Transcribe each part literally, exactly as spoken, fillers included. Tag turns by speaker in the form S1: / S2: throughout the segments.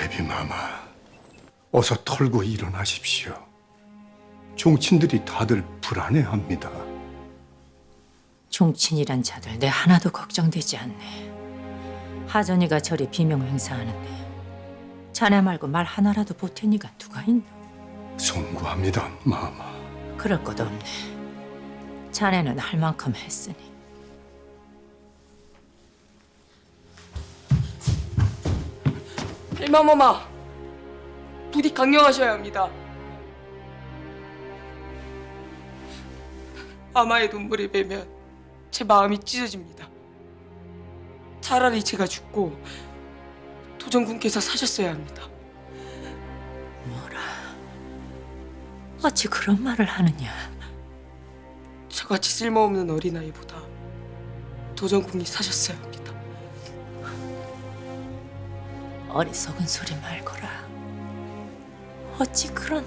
S1: 대비마마, 어서 털고 일어나십시오. 종친들이 다들 불안해합니다.
S2: 종친이란 자들 내 하나도 걱정되지 않네. 하전이가 저리 비명 행사하는데 자네 말고 말 하나라도 보탠이가 누가 있나?
S1: 송구합니다, 마마.
S2: 그럴 것 없네. 자네는 할 만큼 했으니.
S3: 대마마마, 부디 강령하셔야 합니다. 아마의 눈물을 베면 제 마음이 찢어집니다. 차라리 제가 죽고 도전군께서 사셨어야 합니다.
S2: 뭐라? 어찌 그런 말을 하느냐?
S3: 저같이 쓸모없는 어린아이보다 도전군이 사셨어야 합니다.
S2: 어리석은 소리 말거라. 어찌 그런...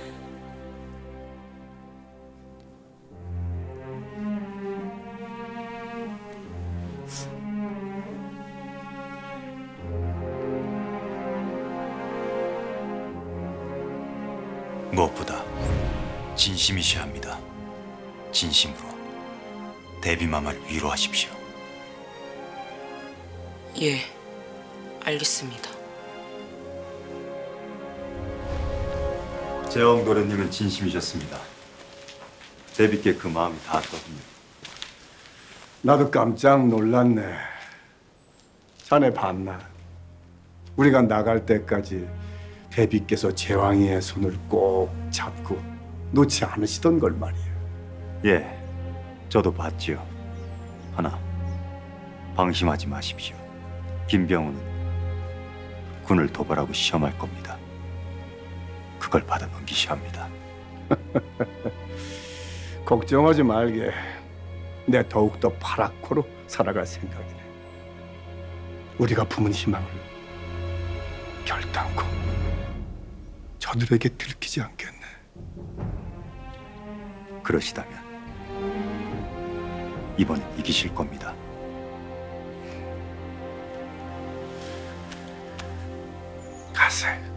S4: 무엇보다 진심이셔야 합니다. 진심으로 대비마마를 위로하십시오.
S3: 예, 알겠습니다.
S5: 재영 도련님은 진심이셨습니다. 대비께 그 마음이 닿았거든요.
S1: 나도 깜짝 놀랐네. 자네 봤나? 우리가 나갈 때까지 대비께서 제왕이의 손을 꼭 잡고 놓지 않으시던 걸 말이야.
S5: 예, 저도 봤지요. 하나, 방심하지 마십시오. 김병우는 군을 도발하고 시험할 겁니다. 그걸 받아 넘기셔야 합니다.
S1: 걱정하지 말게. 내 더욱더 파랗고로 살아갈 생각이네. 우리가 품은 희망을 결단코 저들에게 들키지 않겠네.
S5: 그러시다면 이번엔 이기실 겁니다.
S1: 가세.